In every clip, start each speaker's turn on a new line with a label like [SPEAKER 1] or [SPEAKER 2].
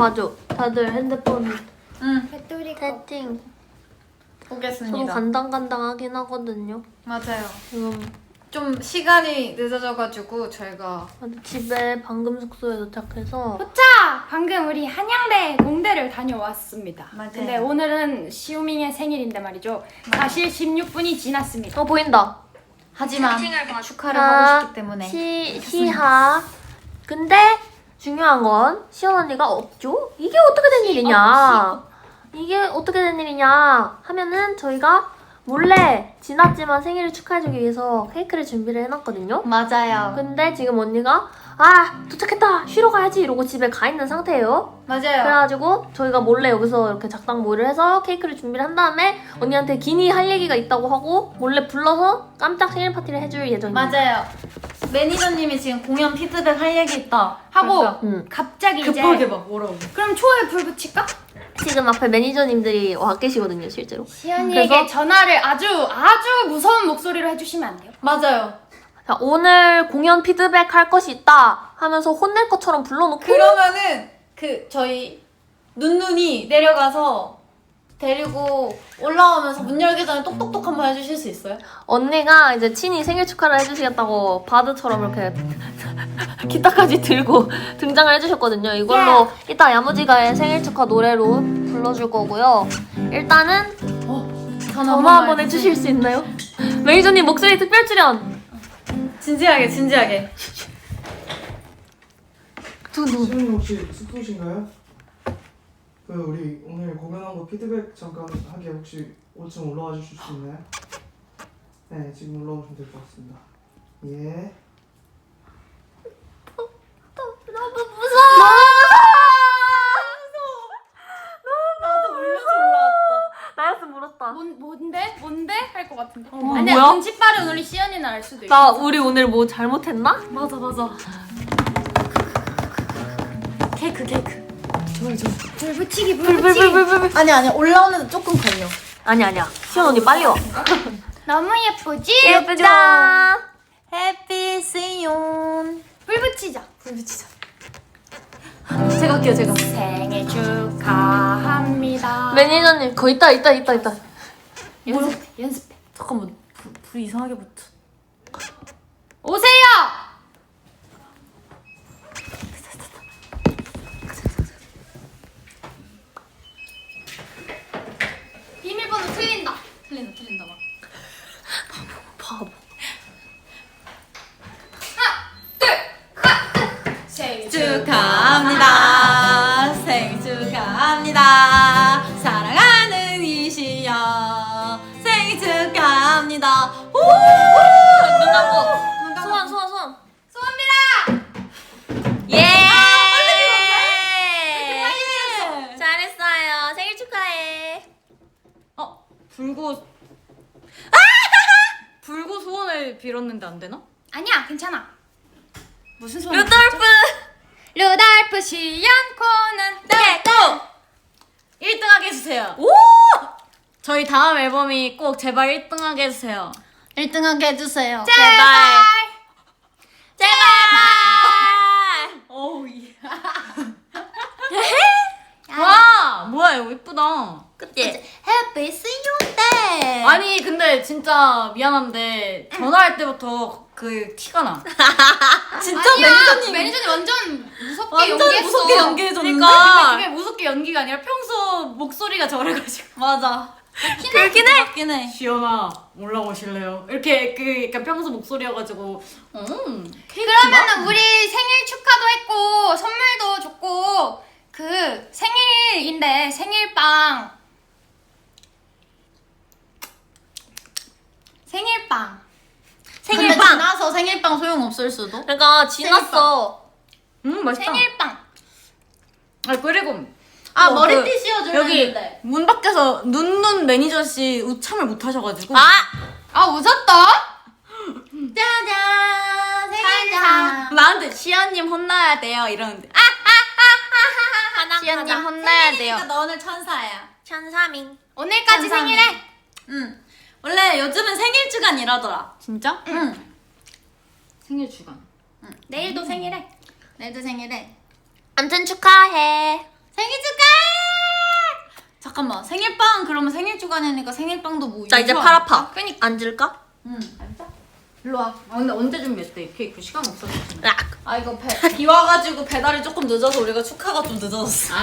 [SPEAKER 1] 봐줘. 다들 핸드폰
[SPEAKER 2] 배터리
[SPEAKER 1] 세팅.
[SPEAKER 3] 보겠습니다.
[SPEAKER 1] 좀 간당간당하긴 하거든요.
[SPEAKER 3] 맞아요.
[SPEAKER 1] 지금
[SPEAKER 3] 좀 시간이 늦어져가지고 저희가
[SPEAKER 1] 집에 방금 숙소에 도착해서
[SPEAKER 2] 호차! 방금 우리 한양대 공대를 다녀왔습니다.
[SPEAKER 3] 맞아요.
[SPEAKER 2] 근데 오늘은 시우밍의 생일인데 말이죠. 사실 16분이 지났습니다.
[SPEAKER 1] 보인다.
[SPEAKER 3] 하지만 축하를 하고 싶기 때문에
[SPEAKER 1] 시하. 근데 중요한 건 시연 언니가 없죠? 이게 어떻게 된 일이냐? 이게 어떻게 된 일이냐 하면은 저희가 몰래 지났지만 생일을 축하해주기 위해서 케이크를 준비를 해놨거든요.
[SPEAKER 3] 맞아요.
[SPEAKER 1] 근데 지금 언니가 도착했다 쉬러 가야지 이러고 집에 가 있는 상태예요.
[SPEAKER 3] 맞아요.
[SPEAKER 1] 그래가지고 저희가 몰래 여기서 이렇게 작당 모의를 해서 케이크를 준비를 한 다음에 언니한테 기니 할 얘기가 있다고 하고 몰래 불러서 깜짝 생일 파티를 해줄 예정입니다.
[SPEAKER 3] 맞아요. 매니저님이 지금 공연 피드백 할 얘기 있다
[SPEAKER 2] 하고
[SPEAKER 3] 그러니까
[SPEAKER 2] 갑자기
[SPEAKER 3] 급하게
[SPEAKER 2] 이제
[SPEAKER 3] 막 뭐라고.
[SPEAKER 2] 그럼 초에 불 붙일까?
[SPEAKER 1] 지금 앞에 매니저님들이 와 계시거든요 실제로.
[SPEAKER 2] 시연이에게
[SPEAKER 1] 그래서?
[SPEAKER 2] 전화를 아주 무서운 목소리로 해주시면 안 돼요?
[SPEAKER 3] 맞아요.
[SPEAKER 1] 자, 오늘 공연 피드백 할 것이 있다 하면서 혼낼 것처럼 불러놓고
[SPEAKER 3] 그러면은 저희 눈눈이 내려가서 데리고 올라오면서 문 열기 전에 똑똑똑 한번 해주실 수 있어요?
[SPEAKER 1] 언니가 이제 친히 생일 축하를 해주시겠다고 바드처럼 이렇게 기타까지 들고 등장을 해주셨거든요. 이걸로 이따 야무지가의 생일 축하 노래로 불러줄 거고요. 일단은 전화 한번 해주실 수 있나요? 매니저님 목소리 특별 출연!
[SPEAKER 3] 진지하게.
[SPEAKER 4] 시우님 혹시 숙소신가요? 우리 오늘 공연한 거 피드백 잠깐 하게 혹시 5층 올라와 주실 수 있나요? 네, 지금 올라오시면 될 것 같습니다. 예.
[SPEAKER 1] 너무 무서워!
[SPEAKER 3] 나도 울면서 올라왔다.
[SPEAKER 1] 나였으면 울었다.
[SPEAKER 2] 뭔데? 할 것 같은데.
[SPEAKER 1] 뭐야?
[SPEAKER 2] 아니야, 눈치 빠른 우리 시연이는 알 수도 있어.
[SPEAKER 1] 나 우리 오늘 뭐 잘못했나?
[SPEAKER 3] 맞아. 케이크.
[SPEAKER 2] 불 붙이기.
[SPEAKER 1] 불불불불불.
[SPEAKER 3] 아니 올라오는데 조금 걸려.
[SPEAKER 1] 아니야. 시연 언니 빨리 와.
[SPEAKER 2] 너무 예쁘지?
[SPEAKER 1] 예쁘다.
[SPEAKER 3] 해피 시온.
[SPEAKER 2] 불 붙이자.
[SPEAKER 3] 제가 할게요.
[SPEAKER 2] 생일 축하합니다.
[SPEAKER 1] 매니저님 거 있다.
[SPEAKER 2] 연습해.
[SPEAKER 3] 잠깐만 불 이상하게 붙어.
[SPEAKER 2] 오세요! 비밀번호 틀린다.
[SPEAKER 3] 틀린다 막.
[SPEAKER 1] 바보.
[SPEAKER 2] 생일
[SPEAKER 3] 축하합니다. 생일 축하합니다. 사랑하는 이시연 생일 축하합니다.
[SPEAKER 1] 눈 감고. 소원.
[SPEAKER 2] 소원비라!
[SPEAKER 1] 예.
[SPEAKER 2] 빨리 밀었어.
[SPEAKER 1] 잘했어요. 생일 축하해.
[SPEAKER 3] 불고 소원을 빌었는데 안 되나?
[SPEAKER 2] 아니야, 괜찮아. 무슨 소원? 루돌프 시연 코는
[SPEAKER 1] 네.
[SPEAKER 3] 1등하게 해주세요.
[SPEAKER 1] 오!
[SPEAKER 3] 저희 다음 앨범이 꼭 제발 1등하게 해주세요. 1등하게 해주세요.
[SPEAKER 1] 제발.
[SPEAKER 3] 어우 와 뭐야 이거 예쁘다.
[SPEAKER 1] 그치?
[SPEAKER 3] Happy See You 아니 근데 진짜 미안한데 전화할 때부터 그 티가 나. 진짜
[SPEAKER 2] 매니저님 완전 무섭게
[SPEAKER 3] 완전
[SPEAKER 2] 연기했어.
[SPEAKER 3] 무섭게 연기해줬는데
[SPEAKER 1] 그러니까.
[SPEAKER 3] 근데 그게 무섭게 연기가 아니라 평소 목소리가 저래가지고.
[SPEAKER 1] 맞아. 그렇긴 해.
[SPEAKER 3] 맞긴 해. 시연아 올라오실래요? 이렇게 약간 평소 목소리여가지고
[SPEAKER 2] 그러면은 우리 생일 축하도 했고 선물도 줬고 그 생일인데 생일빵
[SPEAKER 3] 근데 지나서 생일빵 소용없을 수도?
[SPEAKER 1] 그러니까 지났어.
[SPEAKER 3] 맛있다.
[SPEAKER 2] 생일빵
[SPEAKER 3] 그리고
[SPEAKER 2] 머리띠 씌워주려
[SPEAKER 3] 여기
[SPEAKER 2] 했는데.
[SPEAKER 3] 문 밖에서 눈눈 매니저씨 우참을 못 하셔가지고
[SPEAKER 2] 웃었다?
[SPEAKER 3] 짜잔
[SPEAKER 2] 생일상.
[SPEAKER 3] 나한테 시연님 혼나야 돼요 이러는데 시연님 혼나야 돼요.
[SPEAKER 5] 너 오늘 천사야.
[SPEAKER 1] 천사밍.
[SPEAKER 2] 오늘까지
[SPEAKER 5] 감사합니다.
[SPEAKER 2] 생일해.
[SPEAKER 5] 응. 원래 요즘은 생일 주간이라더라.
[SPEAKER 3] 진짜?
[SPEAKER 5] 응.
[SPEAKER 3] 생일 주간.
[SPEAKER 2] 내일도 생일해.
[SPEAKER 5] 내일도 생일해.
[SPEAKER 1] 아무튼 축하해.
[SPEAKER 5] 생일 축하해! 잠깐만 생일빵 그러면 생일 주간이니까 생일빵도 뭐
[SPEAKER 1] 나 이제
[SPEAKER 5] 이거
[SPEAKER 1] 팔 아파.
[SPEAKER 5] 그니까.
[SPEAKER 1] 앉을까?
[SPEAKER 5] 응 앉아. 일로 와. 근데 언제 준비했대? 케이크 시간 없었어.
[SPEAKER 3] 아 이거 비 와가지고 배달이 조금 늦어서 우리가 축하가 좀 늦어졌어.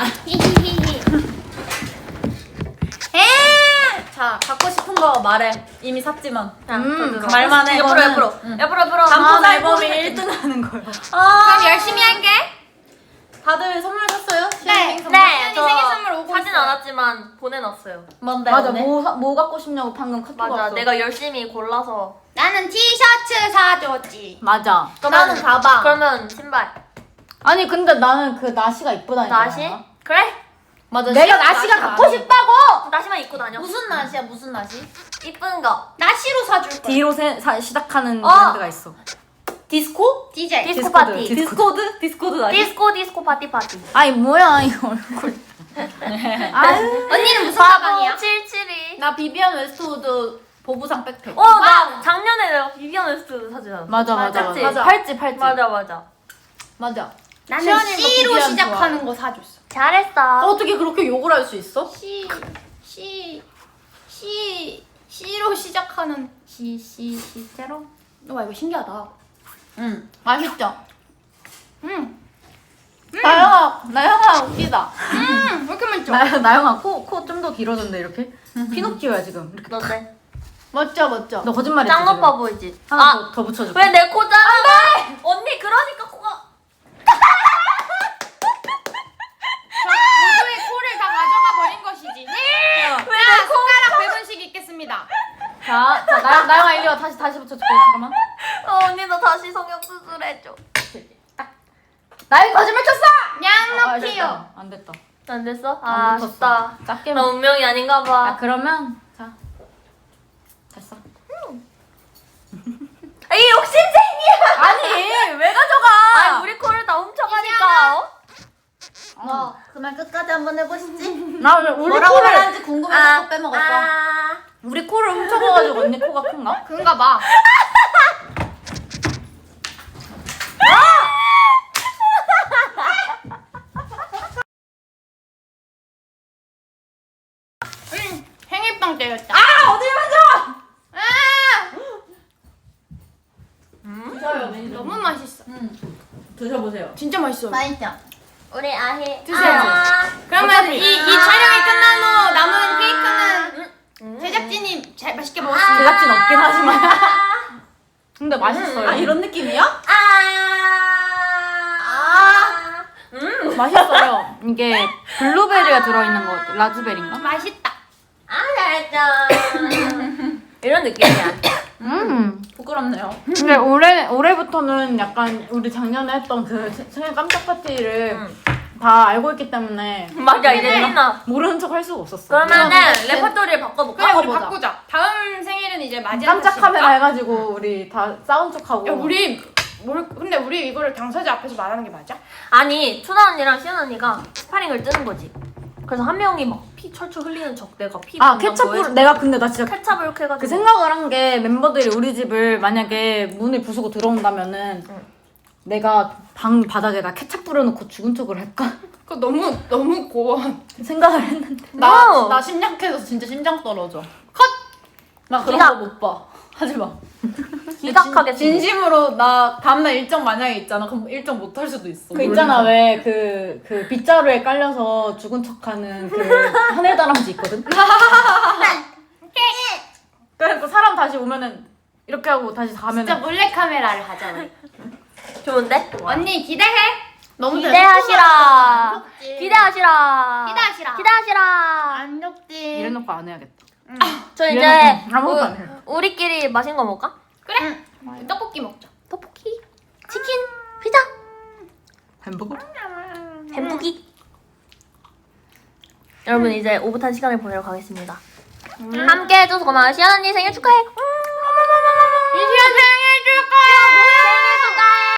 [SPEAKER 3] 자 갖고 싶은 거 말해. 이미 샀지만. 말만 해.
[SPEAKER 1] 옆으로
[SPEAKER 3] 이거는.
[SPEAKER 1] 옆으로.
[SPEAKER 3] 응.
[SPEAKER 1] 옆으로.
[SPEAKER 3] 다음
[SPEAKER 1] 아,
[SPEAKER 3] 앨범이
[SPEAKER 1] 앨범이
[SPEAKER 3] 1등 하는 거야.
[SPEAKER 2] 그럼 열심히 할게.
[SPEAKER 3] 다들 선물 샀어요?
[SPEAKER 2] 네.
[SPEAKER 3] 선물?
[SPEAKER 1] 네,
[SPEAKER 2] 시연이 생일 선물 오고
[SPEAKER 1] 사진
[SPEAKER 2] 있어요.
[SPEAKER 1] 않았지만 보내놨어요.
[SPEAKER 3] 뭔데?
[SPEAKER 5] 맞아
[SPEAKER 3] 오늘?
[SPEAKER 5] 뭐 갖고 싶냐고 방금 카톡
[SPEAKER 1] 맞아,
[SPEAKER 5] 왔어.
[SPEAKER 1] 내가 열심히 골라서.
[SPEAKER 2] 나는 티셔츠 사줬지.
[SPEAKER 5] 맞아.
[SPEAKER 3] 나는 가방.
[SPEAKER 1] 그러면 신발.
[SPEAKER 5] 아니 근데 나는 그 나시가 이쁘다니까.
[SPEAKER 1] 나시? 그래?
[SPEAKER 3] 맞아.
[SPEAKER 5] 내가
[SPEAKER 3] 시연
[SPEAKER 5] 나시가
[SPEAKER 3] 나시
[SPEAKER 5] 갖고
[SPEAKER 3] 많이.
[SPEAKER 5] 싶다고.
[SPEAKER 1] 나시만 입고 다녀.
[SPEAKER 3] 무슨 나시야? 무슨 나시?
[SPEAKER 1] 이쁜 거.
[SPEAKER 2] 나시로 사줄 거야.
[SPEAKER 5] D로 시작하는
[SPEAKER 1] 어.
[SPEAKER 5] 브랜드가 있어.
[SPEAKER 3] 디스코?
[SPEAKER 2] DJ.
[SPEAKER 1] 디스코
[SPEAKER 5] 디스코드.
[SPEAKER 1] 파티.
[SPEAKER 3] 디스코드? 디스코드 나시?
[SPEAKER 1] 디스코 파티.
[SPEAKER 5] 아니 뭐야 이 얼굴. 아유.
[SPEAKER 2] 언니는 무슨 가방이야?
[SPEAKER 1] 772.
[SPEAKER 3] 나 비비안 웨스트우드 보부상 백팩.
[SPEAKER 1] 나 작년에 내가 비비안 웨스트 사진 않았어.
[SPEAKER 5] 맞아.
[SPEAKER 1] 맞지?
[SPEAKER 3] 맞아.
[SPEAKER 5] 팔찌.
[SPEAKER 1] 맞아.
[SPEAKER 3] 맞아.
[SPEAKER 2] 나는
[SPEAKER 3] 시연이가
[SPEAKER 2] C로
[SPEAKER 3] 비비안
[SPEAKER 2] 시작하는 거 사줬어.
[SPEAKER 1] 잘했어.
[SPEAKER 3] 어떻게 그렇게 욕을 할 수 있어?
[SPEAKER 2] C로 시작하는 시제로. 와 이거 신기하다.
[SPEAKER 3] 응. 맛있죠?
[SPEAKER 5] 나영아 웃기다.
[SPEAKER 2] 왜 이렇게 맛있죠?
[SPEAKER 5] 나영아 코 좀 더 길어졌네 이렇게. 피노키오야 지금. 이렇게.
[SPEAKER 1] 너네.
[SPEAKER 3] 멋져.
[SPEAKER 5] 너 거짓말했지.
[SPEAKER 1] 짱
[SPEAKER 5] 지금.
[SPEAKER 1] 오빠 보이지?
[SPEAKER 5] 하나 더 붙여줄게.
[SPEAKER 1] 왜 내 코 자르고? 언니 그러니까 코가.
[SPEAKER 2] 모두의 코를 다 가져가 버린 것이지. 자, 손가락 100원씩 있겠습니다.
[SPEAKER 5] 자 나영아 이리 와. 다시 붙여줄게. 잠깐만.
[SPEAKER 1] 언니 너 다시 성형 수술해줘.
[SPEAKER 5] 나영이 거짓말 쳤어.
[SPEAKER 2] 냥놓기요.
[SPEAKER 5] 안 됐다.
[SPEAKER 1] 안 됐어?
[SPEAKER 5] 안
[SPEAKER 1] 아
[SPEAKER 5] 붙었어.
[SPEAKER 1] 아쉽다.
[SPEAKER 5] 작게
[SPEAKER 1] 나 운명이 아닌가 봐.
[SPEAKER 5] 그러면 자 됐어.
[SPEAKER 1] 이 욕심쟁이야.
[SPEAKER 5] 아니 왜 가져가?
[SPEAKER 1] 아 우리 코를 다 훔쳐가니까.
[SPEAKER 3] 그날 끝까지 한번 해보시지.
[SPEAKER 5] 나 오늘 우리
[SPEAKER 3] 뭐라고
[SPEAKER 5] 코를
[SPEAKER 3] 말하는지 궁금해서 또 빼먹었어.
[SPEAKER 5] 우리 코를 훔쳐가가지고 언니 코가 큰가?
[SPEAKER 2] 그런가 봐. 생일빵 때렸다.
[SPEAKER 5] 드셔요.
[SPEAKER 2] 너무 맛있어.
[SPEAKER 5] 드셔보세요.
[SPEAKER 2] 진짜 맛있어.
[SPEAKER 3] 맛있죠?
[SPEAKER 1] 우리 아희.
[SPEAKER 2] 드세요. 그러면 이 촬영이 끝난 후 남은 케이크는 제작진이 잘 맛있게 먹었습니다.
[SPEAKER 5] 제작진 없긴 하지만. 근데 맛있어요.
[SPEAKER 3] 아 이런 느낌이야?
[SPEAKER 5] 맛있어요. 이게 블루베리가 들어있는 것 같아. 라즈베리인가?
[SPEAKER 2] 맛있다.
[SPEAKER 1] 이런 느낌이야.
[SPEAKER 3] 부끄럽네요.
[SPEAKER 5] 근데 올해부터는 약간 우리 작년에 했던 그 생일 깜짝 파티를 다 알고 있기 때문에
[SPEAKER 1] 맞아 이제 신나.
[SPEAKER 5] 모르는 척 할 수가 없었어.
[SPEAKER 1] 그러면은 레퍼토리를 바꿔볼까?
[SPEAKER 2] 그래 우리
[SPEAKER 3] 바꿔보자.
[SPEAKER 2] 바꾸자. 다음 생일은 이제 맞이한
[SPEAKER 5] 깜짝
[SPEAKER 2] 탓이니까.
[SPEAKER 5] 카메라 해가지고 우리 다 싸운 척하고.
[SPEAKER 2] 야 우리 근데 우리 이거를 당사자 앞에서 말하는 게 맞아?
[SPEAKER 1] 아니 투나 언니랑 시연 언니가 스파링을 뜨는 거지. 그래서 한 명이 막 피 철철 흘리는 척 내가 피
[SPEAKER 5] 케첩을 내가 근데 나 진짜
[SPEAKER 1] 케찹을 이렇게 해가지고
[SPEAKER 5] 그 생각을 한 게 멤버들이 우리 집을 만약에 문을 부수고 들어온다면은 내가 방 바닥에다 케찹 뿌려놓고 죽은 척을 할까
[SPEAKER 2] 그거 너무 고워.
[SPEAKER 5] 생각을 했는데.
[SPEAKER 3] 나 심약해서 진짜 심장 떨어져. 나 그런
[SPEAKER 1] 기각.
[SPEAKER 3] 거 못 봐. 하지 마.
[SPEAKER 1] 기각하게
[SPEAKER 3] 진심으로 나 다음날 일정 만약에 있잖아. 그럼 일정 못 할 수도 있어.
[SPEAKER 5] 그 있잖아 왜 그 빗자루에 깔려서 죽은 척하는 그 하늘 다람쥐 있거든. 그래서 사람 다시 오면은 이렇게 하고 다시 가면은
[SPEAKER 2] 진짜 몰래 카메라를 하자 우리.
[SPEAKER 1] 좋은데?
[SPEAKER 2] 언니 기대해.
[SPEAKER 3] 너무
[SPEAKER 1] 기대하시라. 기대하시라.
[SPEAKER 2] 기대하시라.
[SPEAKER 1] 기대하시라.
[SPEAKER 3] 안 녹지.
[SPEAKER 5] 이래놓고 안 해야겠다.
[SPEAKER 1] 저 이제
[SPEAKER 5] 이래놓고 아무것도 안 해.
[SPEAKER 1] 우리끼리 맛있는 거 먹을까?
[SPEAKER 2] 그래. 떡볶이 먹자.
[SPEAKER 1] 떡볶이, 치킨, 피자,
[SPEAKER 5] 햄버거?
[SPEAKER 1] 햄부기. 여러분 이제 오붓한 시간을 보내러 가겠습니다. 함께 해줘서 고마워요. 시연 언니 생일 축하해.